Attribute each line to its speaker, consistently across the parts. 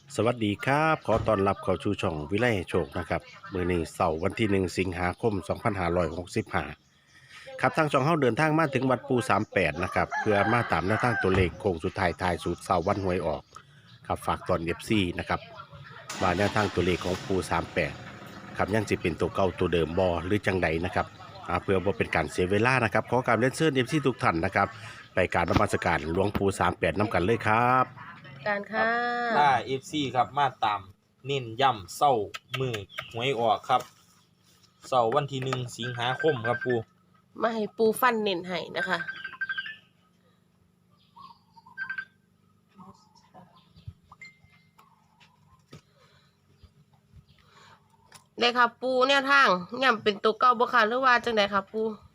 Speaker 1: สวัสดีครับขอต้อนรับเข้าสู่ช่องวิไลโชคนะครับมื้อนี้เสาร์วันที่1สิงหาคม2565ครับทางช่องเฮาเดินทางมาถึงวัดปู38นะครับเพื่อมาตามแนวทางตัวเลขโค้งสุดท้ายทายสูตรเสาร์วันหวยออกครับฝากตอน FC นะครับว่าแนวทางตัวเลขของปู38ครับยังสิเป็นตัวเก่าตัวเดิมบ่หรือจังใดนะครับเพื่อบ่เป็นการเสียเวลานะครับขอการเรียนเชิญ FC ทุกท่านนะครับไปกรารนมัสการหลวงปู่38นํกันเลยครับ
Speaker 2: การ
Speaker 3: ครั
Speaker 2: ค่ะ
Speaker 3: บถ้า FC ครับมาตามเน้นย้ำเศร้ามือหวยออกครับเศร้าวันที่1สิงหาคมครับปู
Speaker 2: มาให้ปูฟันเน้นให้นะคะได้ค่ะปูแนวทางย่ำเป็นตัวเก่าบ่ค่ะหรือว่าจังไดค่ะปู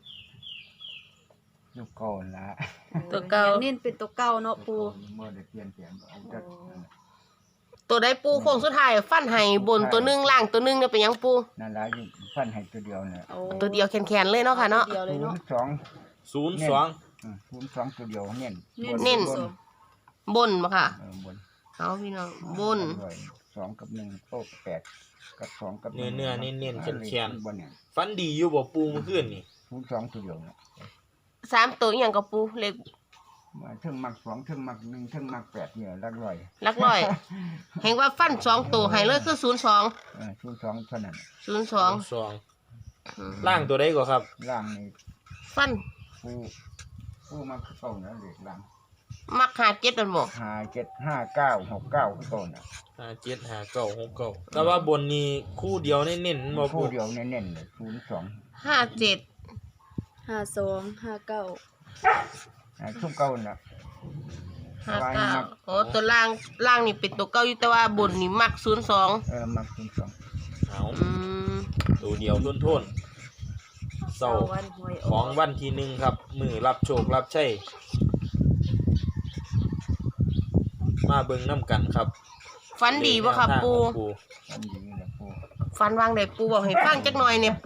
Speaker 4: ลูกก่อนละ
Speaker 2: ตัวเก่า
Speaker 5: เน้นเป็นตัวเก่าเนาะปู
Speaker 4: เมื่อได้เปลี่ยนแปลงเอาจัก
Speaker 2: ตัวใดปูโค้งสุดท้ายฟันให้บนตัวหนึงล่างตัวหนึงเนี่ยเป็นหยังปู
Speaker 4: นั่นละอยู่ฟันให้ตัวเดียวเนี่ย
Speaker 2: ตัวเดียวแขนๆเลยเนาะค่ะเนาะ
Speaker 5: เดียวเลยเนาะ
Speaker 4: 02
Speaker 3: 02
Speaker 4: ตัวเดียวเน้น
Speaker 2: เน้น
Speaker 4: บ
Speaker 2: บนบ่ค่ะ
Speaker 4: บน
Speaker 2: เอาพี่น้องบน
Speaker 4: 2กับ1โต๊ะ8กับ2กับ1
Speaker 3: เนื้อเน้นๆแข็ง
Speaker 4: บนเนี่ย
Speaker 3: ๆฟันดีอยู่บ่ปูเมื่อคืนนี่
Speaker 4: 02ตัวเดียวเนี่ย
Speaker 2: 3ตัวอหยังกับปูเลข
Speaker 4: มาถึงมัก2ถึงมัก1ถึงมัก8เนี่ยหลักร้อย
Speaker 2: หลักร้อยเห็นว่าฟัน2ตัวให้เลยคือ02
Speaker 4: 02เท่านั้น
Speaker 2: 02
Speaker 3: 2ล่างตัวใดก็ครับ
Speaker 4: ล่างนี่
Speaker 2: ฟัน
Speaker 4: ผู้มักเข้านะเลขล่าง
Speaker 2: มักหาเจ็ดนั่นบ่
Speaker 4: 5 7 5 9 6 9คือต้นน่ะ
Speaker 3: 57 59 69แต่ว่าบนนี้คู่เดียวเน้นๆบ่ปู
Speaker 4: ผู้เดียวเน้นๆเลย02
Speaker 2: 57
Speaker 5: 52 59
Speaker 4: ทุกเก่าน่ะ
Speaker 2: 59โอ้ตัวล่างนี่เป็นตัวเก่าอยู่แต่ว่าบนนี่มัก02
Speaker 4: มัก02
Speaker 3: เอา
Speaker 2: อืม
Speaker 3: ตัวเดียวทนๆเศร้า
Speaker 5: วันหวยอ
Speaker 3: ข
Speaker 5: อ
Speaker 3: อก งวันที่1ครับมือรับโชครับชัยมาเบิ่งนํกันครับ
Speaker 2: ฟันดีบ่ครับปู
Speaker 4: อันนี้แหละผู้
Speaker 2: ฟันวางได้ปูบอกให้ฟังจักหน่อยเนี่ยปู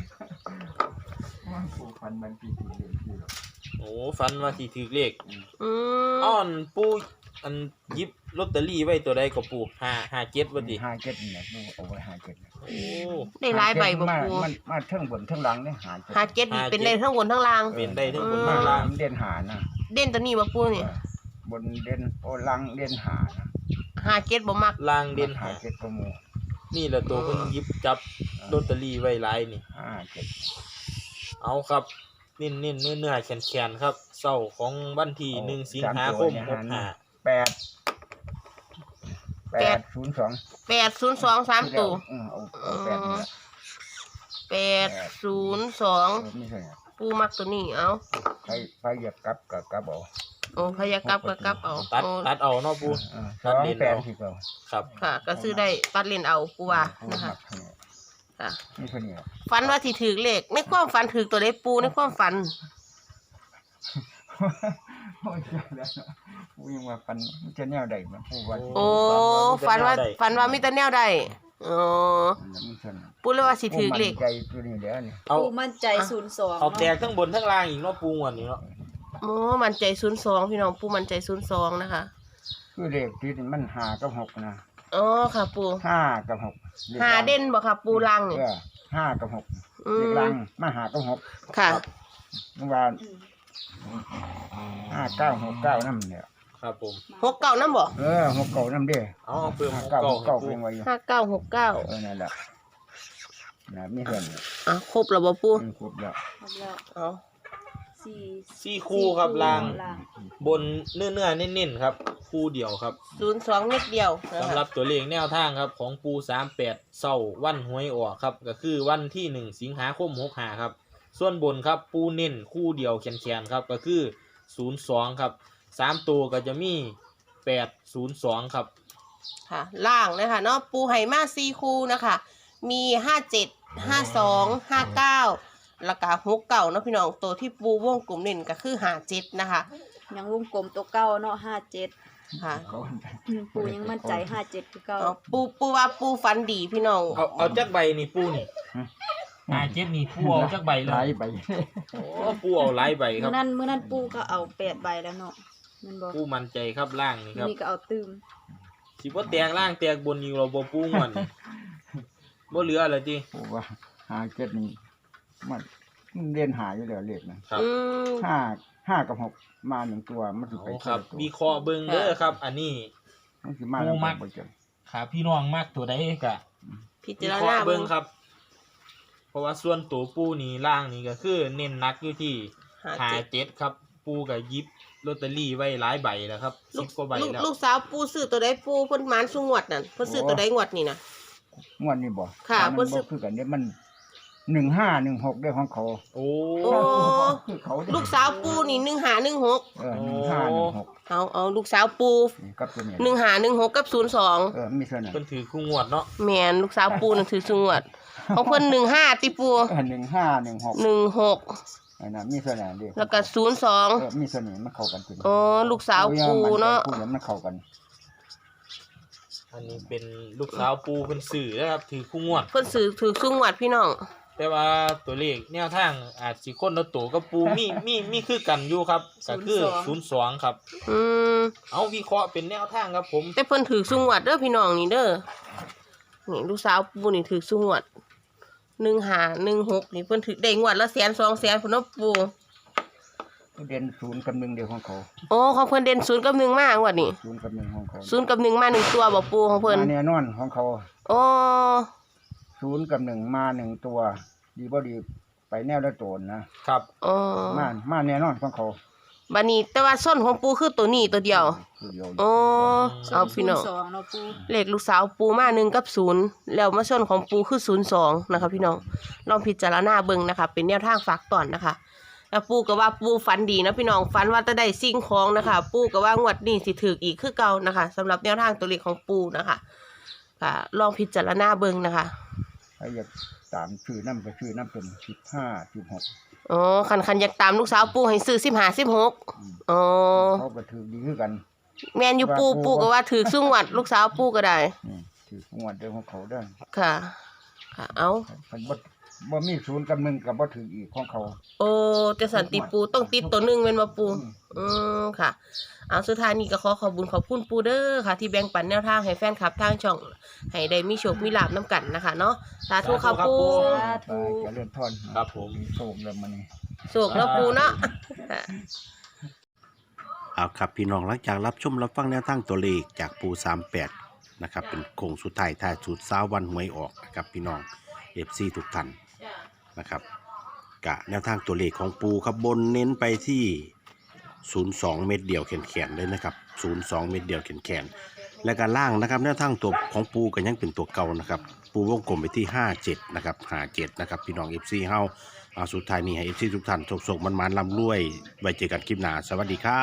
Speaker 4: ผู้ฟันมันปีเรียนที่หรอก
Speaker 3: โอ้ฟันว่าสิถือเลข
Speaker 2: อืม
Speaker 3: อ้อนปูอันหยิบลอตเตอรี่ไว้ตัวใดก็ปู557ว่าติ
Speaker 4: 57เนี่ยผู้เอาไว้57เนี่ย
Speaker 3: โอ้
Speaker 2: ได้หลายใบบ่ปู
Speaker 4: มาเทิงบนเทิงหลังเนี่ย57
Speaker 2: 57นี่เป็นได้ทั้งบนทั้งล่าง
Speaker 3: เป็นได้ทั้งบน
Speaker 4: มา
Speaker 3: ทั้งล่าง
Speaker 4: เด่นหานะ
Speaker 2: เด่นตัวนี้บ่ปูนี่
Speaker 4: บนเด่นโอลังเด่นหานะ
Speaker 2: 57บ่มัก
Speaker 3: ล่างเด่น
Speaker 4: หา
Speaker 3: หา
Speaker 4: 7ก็มู
Speaker 3: นี่แหละตัวเพิ่นหยิบจับลอตเตอรี่ไว้หลายนี่
Speaker 4: 57
Speaker 3: เอาครับเน้นๆเนื้อๆแข็งๆครับเช้าของวันที่1สิงหาคม65
Speaker 4: 802
Speaker 2: 802 3ตัว
Speaker 4: เอา8นี่ละ
Speaker 2: 802
Speaker 4: ไม่ใช่
Speaker 2: ปูมักตัวนี้เอา
Speaker 4: ไปเหยียบกับเอา
Speaker 2: โอ้พยากลับก็กลับเอา
Speaker 3: ตัดเอาเนาะปู
Speaker 4: 2 8ที่เก่า
Speaker 3: ครับ
Speaker 2: ค่ะ ก็ซื้อได้ตัดเล่นเอาปูว่านะคะค่ะ
Speaker 4: นี่คนนี้
Speaker 2: ฝันว่าสิถือเลขในความฝันถือตัวใดปูในความฝัน
Speaker 4: โอ้ยแล้วผู้ยังว่าปันมันจะแนวใดมันผู้ว่า
Speaker 2: โอ้ฝันว่ามีแต่แนวใดอ๋อ
Speaker 4: มันซั่น
Speaker 2: ปูเลยว่าสิถือเลข
Speaker 4: ใจตัวนี้เด้อนี่
Speaker 3: เอา
Speaker 5: ปูมั่นใจ02
Speaker 3: เอาแตกทั้งบนทั้งล่างอีกเนาะปูงวดนี้เนาะ
Speaker 2: โอ้มันใจ02พี่น้องปูมันใจ02นะคะ
Speaker 4: คือเลขที่มัน5กับ6นะ
Speaker 2: อ๋อค่ะปู
Speaker 4: 5กับ6
Speaker 2: หาเด่นบ่ค่ะปูลังนี่
Speaker 4: 5กับ6
Speaker 2: อื
Speaker 4: เลข
Speaker 2: ม
Speaker 4: ลังมา5กับ6
Speaker 2: ค่ะ
Speaker 4: เมื่อวาน5969นำเนี่ย
Speaker 3: ครับผม
Speaker 2: 69นำบ่
Speaker 4: 6เก่านำเด้
Speaker 3: เอาเพิ่ม
Speaker 4: 59เป็นไว้อยู่
Speaker 2: 5969
Speaker 4: นั่นแหละนะมีเพิ่น
Speaker 2: อ่ะครบแล้วบ่ปู
Speaker 4: ครบแล้ว
Speaker 5: แล้ว
Speaker 2: เอา
Speaker 3: 4คู่ครับล่าง
Speaker 5: ล่าง
Speaker 3: บนเนื้อๆเน้นๆครับคู่เดียวครับ
Speaker 2: 02เม็ดเดียวนะ
Speaker 3: สำห
Speaker 2: คะ
Speaker 3: รับตัวเลขแนวทางครับของปู38เศร้าวันหวยออกครับก็คือวันที่1สิงหาคม65ครับส่วนบนครับปูเน้นคู่เดียวแขนๆครับก็คือ02ครับ3ตัวก็จะมี802ครับ
Speaker 2: ค่ะล่างนะคะเนาะปูไห่มา4คู่นะคะ มี57 52 59แล้วก็69เนาะพี่น้องตัวที่ปูวงกลมเน้นก็คือ57นะคะ
Speaker 5: ยังวงกลมตัวเก่าเนาะ57
Speaker 2: ค่ะ
Speaker 5: ปูยังมั่นใจ57คือเก่า
Speaker 2: เอาปูว่าปูฟันดีพี่น้อง
Speaker 3: เอาจักใบนี่ปูนี่57นี่ปูเอาจักใบเล
Speaker 4: หลาย
Speaker 3: ย
Speaker 4: ใบ
Speaker 3: โอ้ปูเอาหลายใบครับ
Speaker 5: มื้อนั้นปูก็เอา8ใบแล้วเนาะแม่นบ่
Speaker 3: ปูมั่นใจครับล่างนี่ครับ
Speaker 5: นี่ก็เอาตื้ม
Speaker 3: สิบ่แตกล่างแตกบนอยู่เราบ่ปูงอนบ่เหลืออะไรติ
Speaker 4: ปูว่าหาเจ็ดนี่มันเรียนหาอยู่แล้วเลขนะครับ
Speaker 2: อืม
Speaker 4: ห้ากับหกมาหนึ่งตัวมันสิไป
Speaker 3: เอาครับ
Speaker 4: ตัว
Speaker 3: วิเคราะห์เบิ่งเด้อครับ อันนี้
Speaker 4: มันสิมา
Speaker 3: ปู
Speaker 4: แล้ว
Speaker 3: มัก
Speaker 4: บ่เจอ
Speaker 3: ถ้าพี่น้องมักตัวใดก็
Speaker 2: พิ
Speaker 3: วิ
Speaker 2: จาร
Speaker 3: เคราะ
Speaker 2: ณา
Speaker 3: ห์
Speaker 2: เบิ่
Speaker 3: เบิ่
Speaker 2: ง
Speaker 3: งครับ เพราะว่าส่วนตัวปูนี่ล่างนี่ก็คือเน้นหนักอยู่ที่ 57ครับ ปูก็หยิบลอตเตอรี่ไว้หลายใบแล้วครับ10กว่าใบแล้ว
Speaker 2: ลูกสาวปูซื้อตัวใดปูเพิ่นหมานสุงวดนั่นเพิ่นซื้อตัวใดงวดนี่นะ
Speaker 4: งวดนี้บ่
Speaker 2: ค่ะ
Speaker 4: มัน
Speaker 2: เพิ่นซื้
Speaker 4: บ่
Speaker 2: อ
Speaker 4: คือกันเนี่ยมัน1516ได้ของเขา
Speaker 3: โอ้
Speaker 2: โอ้
Speaker 4: คือเขาเด้
Speaker 2: ลูกสาวปูนี่1516
Speaker 4: 1516
Speaker 2: เอาลูกสาวปู
Speaker 4: กับตัวนี้
Speaker 2: 1516กับ02
Speaker 4: มีเท่านั้น
Speaker 3: เพิ่นถือคู่งวดเนาะ
Speaker 2: แม่นลูกสาวปูนั่นถือสุงวดของเพิ่น15ติปู
Speaker 4: 1516
Speaker 2: 16
Speaker 4: อันนั้นมีเท่านั้นเด้
Speaker 2: แล้วก็
Speaker 4: มีเท่านี้มันเข้ากันตัว
Speaker 2: 02อ๋อลูกสาวปูเนาะ
Speaker 4: ปูมันเข้ากัน
Speaker 3: อันนี้เป็นลูกสาวปูเพิ่นซื้อนะครับถือคู่งวด
Speaker 2: เพิ่นซื้อถือสุงวดพี่น้อง
Speaker 3: แต่ว่าตัวเลขแนวทางอาจสิคนละตัวกับปูมีคือกันอยู่ครับก็คือ02ครับ
Speaker 2: อืม
Speaker 3: เอาวิเคราะห์เป็นแนวทางครับผม
Speaker 2: แต่เพิ่นถือสุงวดเด้อพี่น้องนี่เด้อนี่ลูกสาวปูนี่ถือสุงวด1516นี่เพิ่นถือได้งวดละ100,000 200,000พุ่นเนาะปู
Speaker 4: เด่น0กับ1เดียวของเขา
Speaker 2: โอ้ของเพิ่นเด่น0กับ1มากว่านี่
Speaker 4: 0กับ1ของเขา
Speaker 2: 0กับ1มา1ตัวบ่ปูของเพิ่น
Speaker 4: มาแน่นอนของเขา
Speaker 2: โอ้
Speaker 4: 0กับ1มา1ตัว ดีบ่ดีไปแนวละโตนนะครับ
Speaker 2: อ๋อ
Speaker 4: มาแน่นอนของเขา
Speaker 2: บัดนี้แต่ว่าส้นของปูคือตัวนี้ตัวเดียว
Speaker 4: ตัวเดียว
Speaker 2: โอ้เอาพี่น้อง
Speaker 5: 02เนาะปู
Speaker 2: เลขลูกสาวปูมา1กับ0แล้วมาส้นของปูคือ02นะคะพี่น้องลองพิจารณาเบิ่งนะคะเป็นแนวทางฝากตอนนะคะแล้วปูก็ว่าปูฝันดีนะพี่น้องฝันว่าจะได้สิ่งของนะคะปูก็ว่างวดนี้สิถืออีกคือเก่านะคะสำหรับแนวทางตัวเลขของปูนะคะค่ะลองพิจารณาเบิ่งนะคะ
Speaker 4: ใครอยากตามชื่อน้ำก็ชื่อน้ำเป็น15 16
Speaker 2: อ๋อคันอยากตามลูกสาวปูให้ซื้อ15 16อ๋อ
Speaker 4: เขาก็ถือดีคือกัน
Speaker 2: แม่นอยู่ปูก็ว่าถือซุ่งวัดลูกสาวปูก็ได้
Speaker 4: ถืองวดเดียวของเขาได้
Speaker 2: ค่ะ ค่ะเอา
Speaker 4: มันบ่มี0กับ1กับบ่ถืออีกของเขา
Speaker 2: โอ้จะสันติปูต้องติดตัวหนึงเป็นมาปูค่ะเอาสุดท้ายนี้ก็ขอบุญขอบคุณปูเด้อค่ะ ที่แบ่งปันแนวทางให้แฟนคลับทางช่องให้ได้มีโชคมีลาภน้ำกันนะคะเนาะสาธุค่ะปู
Speaker 4: ไปจะเลื่อนทอน
Speaker 3: ครับผม
Speaker 4: โชคแล้วมันนี่
Speaker 2: โชคแล้วปูเนาะค่ะ
Speaker 1: เอาครับพี่น้องหลังจากรับชมรับฟังแนวทางตัวเลขจากปู38นะครับเป็นโค้งสุดท้ายท้ายสุดซ้าวันหวยออกนะครับพี่น้อง FC ทุกท่านนะครับกะแนวทางตัวเลขของปูครับบนเน้นไปที่02เม็ดเดียวแขนๆเลยนะครับ02เม็ดเดียวแขนๆและการล่างนะครับแนวทางตัวของปูก็ยังเป็นตัวเก่านะครับปูวงกลมไปที่57นะครับ57นะครับพี่น้อง FC เฮาสุดท้ายนี้ให้ FC ทุกท่านโชคๆมันๆร่ำรวยไว้เจอกันคลิปหน้าสวัสดีครับ